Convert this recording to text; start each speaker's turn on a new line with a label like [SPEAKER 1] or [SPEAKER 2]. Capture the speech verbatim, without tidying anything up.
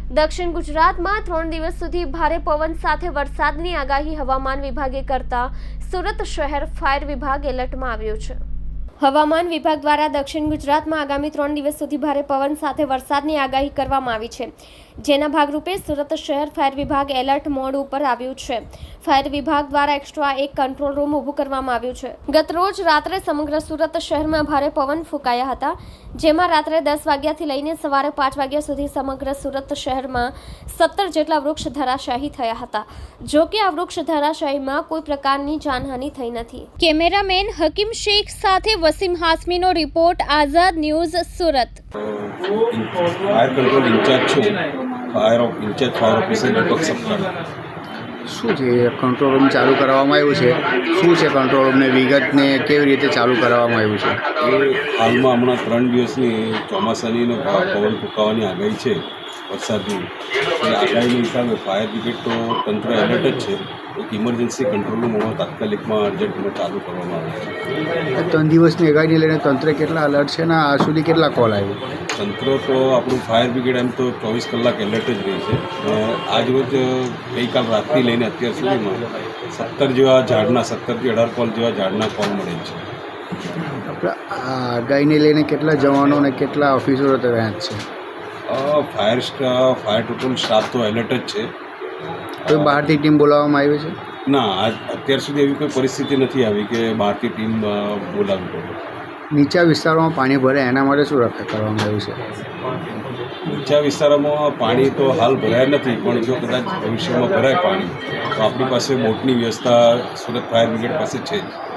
[SPEAKER 1] દક્ષિણ ગુજરાતમાં ત્રણ દિવસ સુધી ભારે પવન સાથે વરસાદની આગાહી હવામાન વિભાગે કરતા સુરત શહેર ફાયર વિભાગ એલર્ટમાં આવ્યું છે। હવામાન વિભાગ દ્વારા દક્ષિણ ગુજરાતમાં આગામી ત્રણ દિવસ સુધી ભારે પવન સાથે વરસાદની આગાહી કરવામાં આવી છે, જેના ભાગરૂપે સુરત શહેર ફાયર વિભાગ એલર્ટ મોડ ઉપર આવ્યું છે। ફાયર વિભાગ દ્વારા એક્સ્ટ્રા એક કંટ્રોલ રૂમ ઊભું કરવામાં આવ્યું છે। ગત રોજ રાત્રે સમગ્ર સુરત શહેરમાં ભારે પવન ફૂંકાયા હતા, જેમાં રાત્રે દસ વાગ્યાથી લઈને સવારે પાંચ વાગ્યા સુધી સમગ્ર સુરત શહેરમાં સત્તર જેટલા વૃક્ષ ધરાશાયી થયા હતા। જો કે આ વૃક્ષ ધરાશાયીમાં કોઈ પ્રકારની જાનહાનિ થઈ નથી। કેમેરામેન હકીમ શેખ સાથે વસીમ હાસમીનો report, Azad news, Surat.
[SPEAKER 2] Fire control incharge છું, fire of incharge fire officer Deepak Saptah.
[SPEAKER 3] શું છે કંટ્રોલ રૂમ ચાલુ કરાવવામાં આવ્યું છે? શું છે કંટ્રોલ રૂમને વિગતને કેવી રીતે ચાલુ કરાવવામાં આવ્યું છે?
[SPEAKER 2] એ હાલમાં હમણાં ત્રણ દિવસની ચોમાસાની પવન ફૂંકાવાની આગાહી છે, વરસાદની એ આગાહીના હિસાબે ફાયર બ્રિગેડ તો તંત્ર એલર્ટ જ છે। એક ઇમરજન્સી કંટ્રોલ રૂમ હમણાં તાત્કાલિકમાં અર્જન્ટમાં ચાલુ કરવામાં આવે છે।
[SPEAKER 3] ત્રણ દિવસની આગાહીને લઈને તંત્ર કેટલા અલર્ટ છે ને આ સુધી કેટલા કોલ આવ્યો?
[SPEAKER 2] તંત્ર તો આપણું ફાયર બ્રિગેડ એમ તો ચોવીસ કલાક એલર્ટ જ રહી છે। આજ રોજ ગઈકાલ રાતથી લઈને અત્યાર સુધીમાં સત્તર જેવા ઝાડના સત્તરથી અઢાર કોલ જેવા ઝાડના કોલ મળે છે।
[SPEAKER 3] આપણે આ આગાહીને લઈને કેટલા જવાનો અને કેટલા ઓફિસરો તૈયાર છે?
[SPEAKER 2] Fire staff fire total staff તો એલર્ટ જ છે।
[SPEAKER 3] કોઈ બહારથી ટીમ બોલાવવામાં આવી છે?
[SPEAKER 2] ના, આજ અત્યાર સુધી એવી કોઈ પરિસ્થિતિ નથી આવી કે બહારથી ટીમ બોલાવવી પડે।
[SPEAKER 3] નીચા વિસ્તારોમાં પાણી ભરે એના માટે શું રક્ષા કરવામાં આવ્યું છે?
[SPEAKER 2] નીચા વિસ્તારોમાં પાણી તો હાલ ભરાયા નથી, પણ જો કદાચ ભવિષ્યમાં ભરાય પાણી તો આપણી પાસે બોટની વ્યવસ્થા સુરત ફાયર બ્રિગેડ પાસે છે જ।